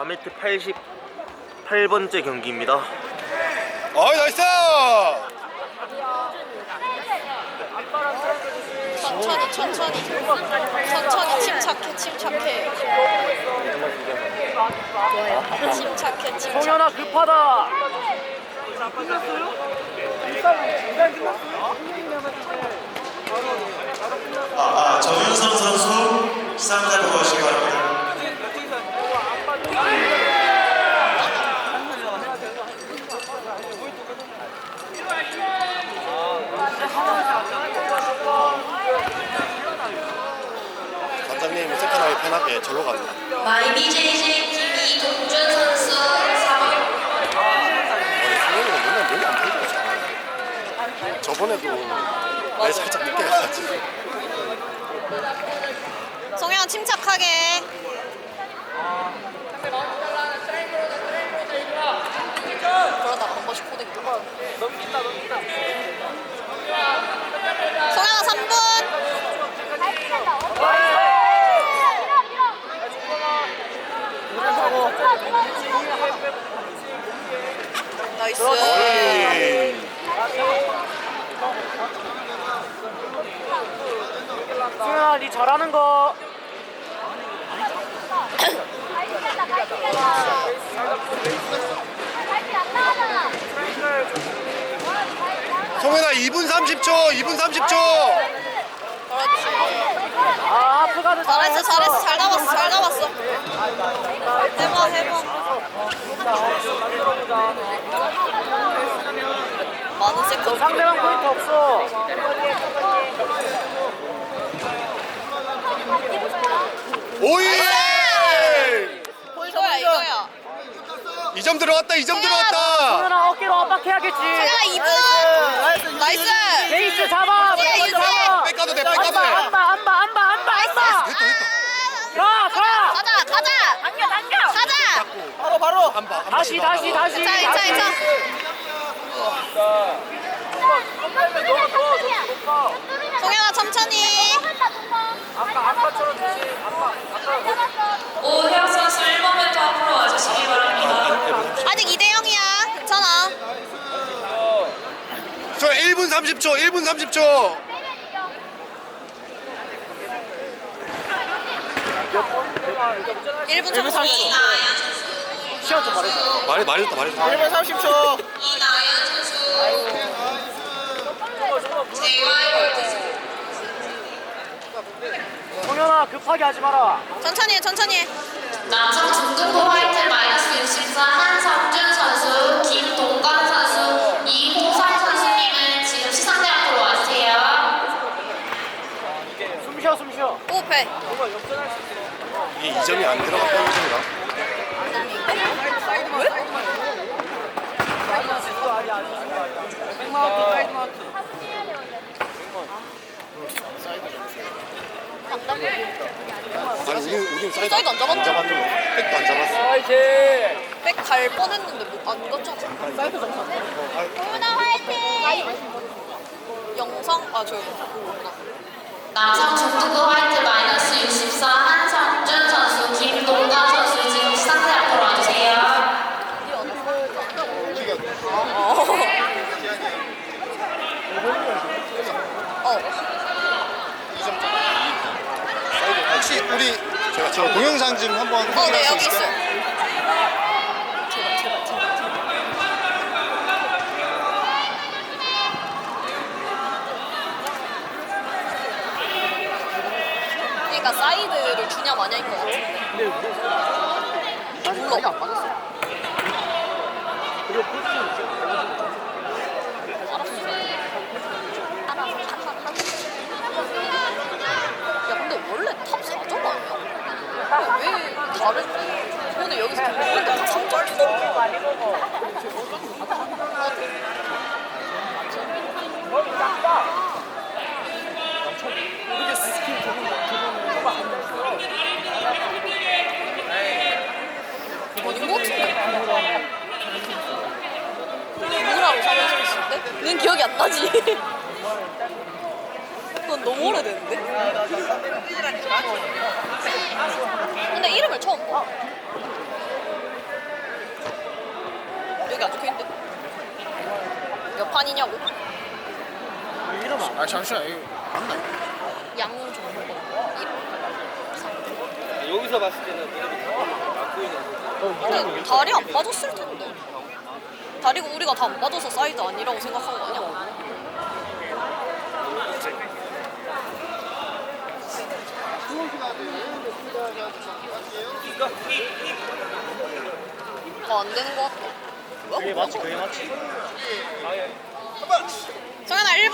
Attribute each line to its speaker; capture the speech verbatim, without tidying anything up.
Speaker 1: 바매트 팔십팔 번째 경기입니다.
Speaker 2: 어이 나이스!
Speaker 3: 천천히 천천히 천천히 침착해 침착해 침착해 침착해.
Speaker 4: 성현아 급하다.
Speaker 5: 아, 정윤선 선수 시상자로 가시기 바랍니다.
Speaker 2: 관장님이 세컨하게 편하게 절로 갑니다.
Speaker 3: 마이비제이제이 김이동준 선수 사 번.
Speaker 2: 아니 성현이가 맨날 몸이 안 풀리고 잘하네. 저번에도 내 살짝 늦게 가가지고.
Speaker 3: 성현 침착하게. 그러다가 한 번씩 코딩 넘긴다 넘긴다. 성현아 삼 분. 나이스.
Speaker 4: 성현아 니 잘하는 거.
Speaker 2: 성현아 이 분 삼십 초, 이 분 삼십 초.
Speaker 3: 그렇지.
Speaker 4: 아 하프가드
Speaker 3: 잘했어 잘했어 잘 나왔어 잘 나왔어. 해봐 해봐. 많은 세컨드.
Speaker 4: 상대방 포인트 없어.
Speaker 2: 오이!
Speaker 3: 이거야 이거야.
Speaker 2: 이 점 들어왔다, 이 점 들어왔다.
Speaker 4: 성현아 어깨로 압박해야겠지.
Speaker 3: 성현아 이 분. 나이스.
Speaker 4: 베이스 잡아.
Speaker 3: 유지해,
Speaker 4: 베이스
Speaker 3: 유지해.
Speaker 4: 잡아.
Speaker 2: 백가도 돼, 백가도 돼.
Speaker 4: 안봐 안봐 안봐 안봐 안봐.
Speaker 2: 됐다, 됐다.
Speaker 4: 가 가.
Speaker 3: 가자 가자. 당겨 당겨. 가자.
Speaker 4: 바로 바로.
Speaker 2: 안 봐, 안 봐.
Speaker 4: 다시 다시 다시.
Speaker 3: 자 이차
Speaker 4: 다시.
Speaker 3: 이차. 성현아 천천히.
Speaker 6: 오혜영 선수 일 번 멘트 앞으로 와주시기 바랍니다.
Speaker 3: 아직 이 대 영이야. 괜찮아.
Speaker 2: 저 일 분 삼십 초, 일 분 삼십 초.
Speaker 3: 일 분 천천히.
Speaker 4: 시간 좀 말해줘.
Speaker 2: 말해, 말해줬다, 말해줬다.
Speaker 4: 일 분 삼십 초.
Speaker 6: 이나연 선수 제이와이 골드
Speaker 4: 성현아 급하게 하지 마라.
Speaker 3: 천천히 해 천천히 해.
Speaker 6: 남성 중등부 화이트 마이너스 육십사 한성준 선수 김동관 선수 이호상 선수님은 지금 시상대 앞으로 와주세요.
Speaker 4: 숨 쉬어 숨 쉬어.
Speaker 3: 호흡해.
Speaker 2: 이게 이 점이 안 들어갔다는 소리가. 아니 우린 우린 사이드,
Speaker 3: 사이드 안 잡았나?
Speaker 2: 안 잡았는데 백도 안 잡았어.
Speaker 4: 아이씨.
Speaker 3: 백 갈 뻔했는데 뭐안 갔잖아.
Speaker 4: 사이드 정상.
Speaker 3: 호윤아 화이팅. 영상 아 저기 그거구나.
Speaker 6: 남성 중등부 화이트 마이너스 육십사 한성준 선수 김동관 선수 지금 시상대 앞으로 와주세요.
Speaker 3: 어. 어.
Speaker 2: 혹시 우리 제가 저 동영상 좀 한번
Speaker 3: 어,
Speaker 2: 확인할
Speaker 3: 네
Speaker 2: 수
Speaker 3: 여기
Speaker 2: 있을까요?
Speaker 3: 있어요. 그러니까 사이드를 주냐 마냐인 것 같은데.
Speaker 4: 아직 많이 안 빠졌어. 그리고 포지션
Speaker 3: 야 근데 원래 탑 사 점 아니야? 왜 다른 오늘 여기서 보는데 다 삼 점 써? 아닌 것 같은데? 누구라고 삼 점 쓰는데? 는 기억이 안 나지? 그건 너무 오래됐는데? 근데 이름을 처음 봐. 아니냐고?
Speaker 4: 이러면
Speaker 2: 아 잠시만 이거 맞나?
Speaker 3: 양은 좀 먹어.
Speaker 4: 여기서 봤을 때는
Speaker 3: 근데 다리 안 빠졌을 텐데. 다리가 우리가 다 안 빠져서 사이즈 아니라고 생각한 거 아니야? 어, 안 되는 거 같아.
Speaker 4: 그게
Speaker 3: 뭐야?
Speaker 4: 맞지 그게 맞지.
Speaker 3: 정현아 일 분.